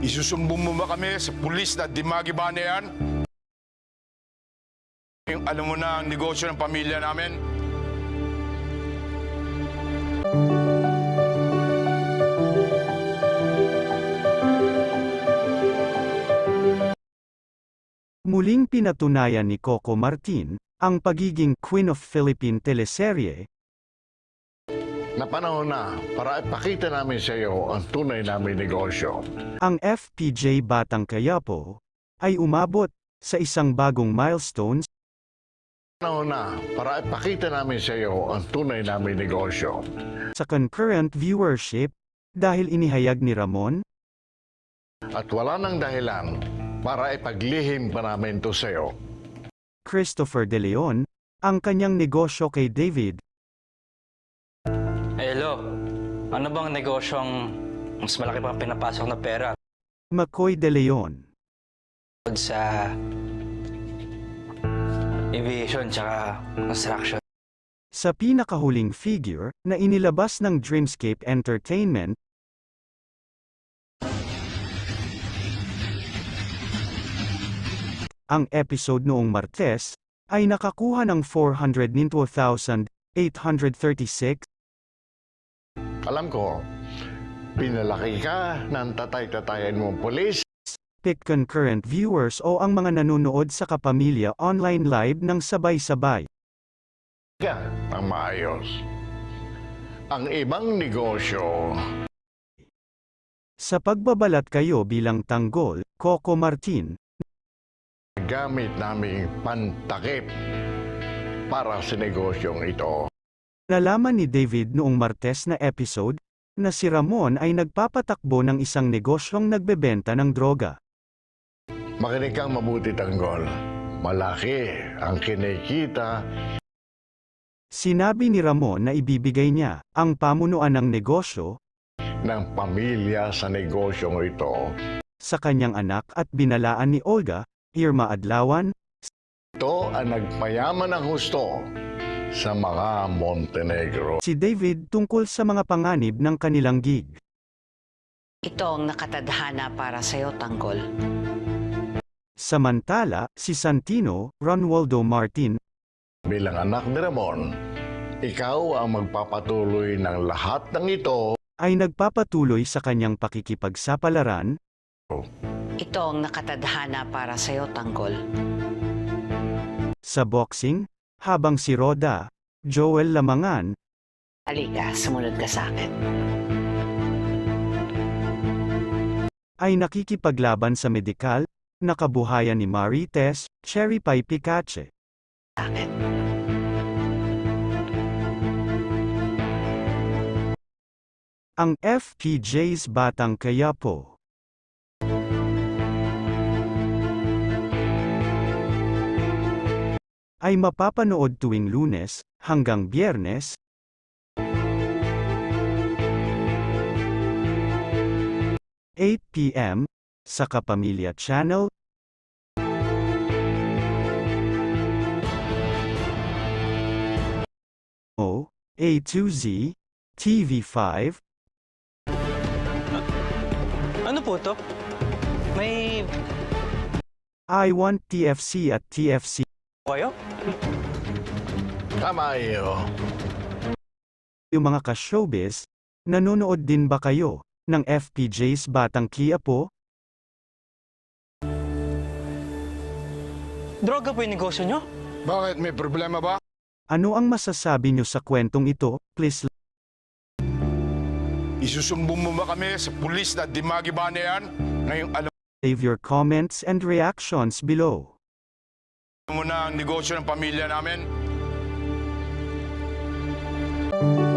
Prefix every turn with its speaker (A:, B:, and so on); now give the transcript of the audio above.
A: Isusumbong mo ba kami sa pulis na Dimagi ba na yan? Yung alam mo na ang negosyo ng pamilya namin?
B: Muling pinatunayan ni Coco Martin ang pagiging Queen of Philippine teleserye.
C: Napanahon na para ipakita namin sa iyo ang tunay naming negosyo.
B: Ang FPJ Batang Quiapo ay umabot sa isang bagong milestone
C: Napanahon na para ipakita namin sa iyo ang tunay naming negosyo.
B: sa concurrent viewership dahil inihayag ni Ramon
C: At wala nang dahilan para ipaglihim pa namin ito sa iyo.
B: Christopher De Leon ang kanyang negosyo kay David.
D: Hello, ano bang negosyong mas malaki pang pinapasok na pera
B: McCoy De Leon.
D: sa aviation tsaka construction?
B: Sa pinakahuling figure na inilabas ng Dreamscape Entertainment, ang episode noong Martes ay nakakuha ng 402,836.
C: Alam ko, pinalaki ka ng tatay-tatayan mong pulis.
B: Pick concurrent viewers o ang mga nanonood sa Kapamilya online live ng sabay-sabay.
C: Ka ang maayos. Ang ibang negosyo,
B: Sa pagbabalat kayo bilang tanggol, Coco Martin,
C: gamit naming pantakip para sa negosyong ito.
B: nalaman ni David noong Martes na episode, na si Ramon ay nagpapatakbo ng isang negosyong nagbebenta ng droga.
C: Makinig kang mabuti, tanggol. Malaki ang kinikita
B: Sinabi ni Ramon na ibibigay niya ang pamunuan ng negosyo
C: ng pamilya sa negosyong ito.
B: sa kanyang anak at binalaan ni Olga, Irma Adlawan,
C: Ito ang nagpayaman ng husto sa mga Montenegro.
B: si David tungkol sa mga panganib ng kanilang gig.
E: Ito ang nakatadhana para sa'yo, Tanggol.
B: Samantala, si Santino, Ronaldo Martin,
C: Bilang anak ni Ramon, ikaw ang magpapatuloy ng lahat ng ito.
B: ay nagpapatuloy sa kanyang pakikipagsapalaran
E: Ito ang nakatadhana para sa'yo, Tanggol.
B: sa boxing, habang si Roda, Joel Lamangan,
E: Halika, sumunod ka sa akin.
B: ay nakikipaglaban sa medikal, na kabuhayan ni Marites, Cherry Pie Picache.
E: Sa akin.
B: Ang FPJ's Batang Quiapo ay mapapanood tuwing Lunes hanggang Biyernes, 8 p.m. sa Kapamilya Channel, o A2Z, TV5,
D: Ano po to? May
B: I Want TFC at TFC.
D: kayo?
C: Tama iyo.
B: Yung mga ka-showbiz, nanonood din ba kayo ng FPJ's Batang Quiapo?
D: Droga po yung negosyo nyo?
A: Bakit? May problema ba?
B: Ano ang masasabi nyo sa kwentong ito? Please
A: Isusumbong mo ba kami sa pulis na Dimagi ba na yan? Ngayong alam
B: leave your comments and reactions below.
A: mo na ang negosyo ng pamilya namin?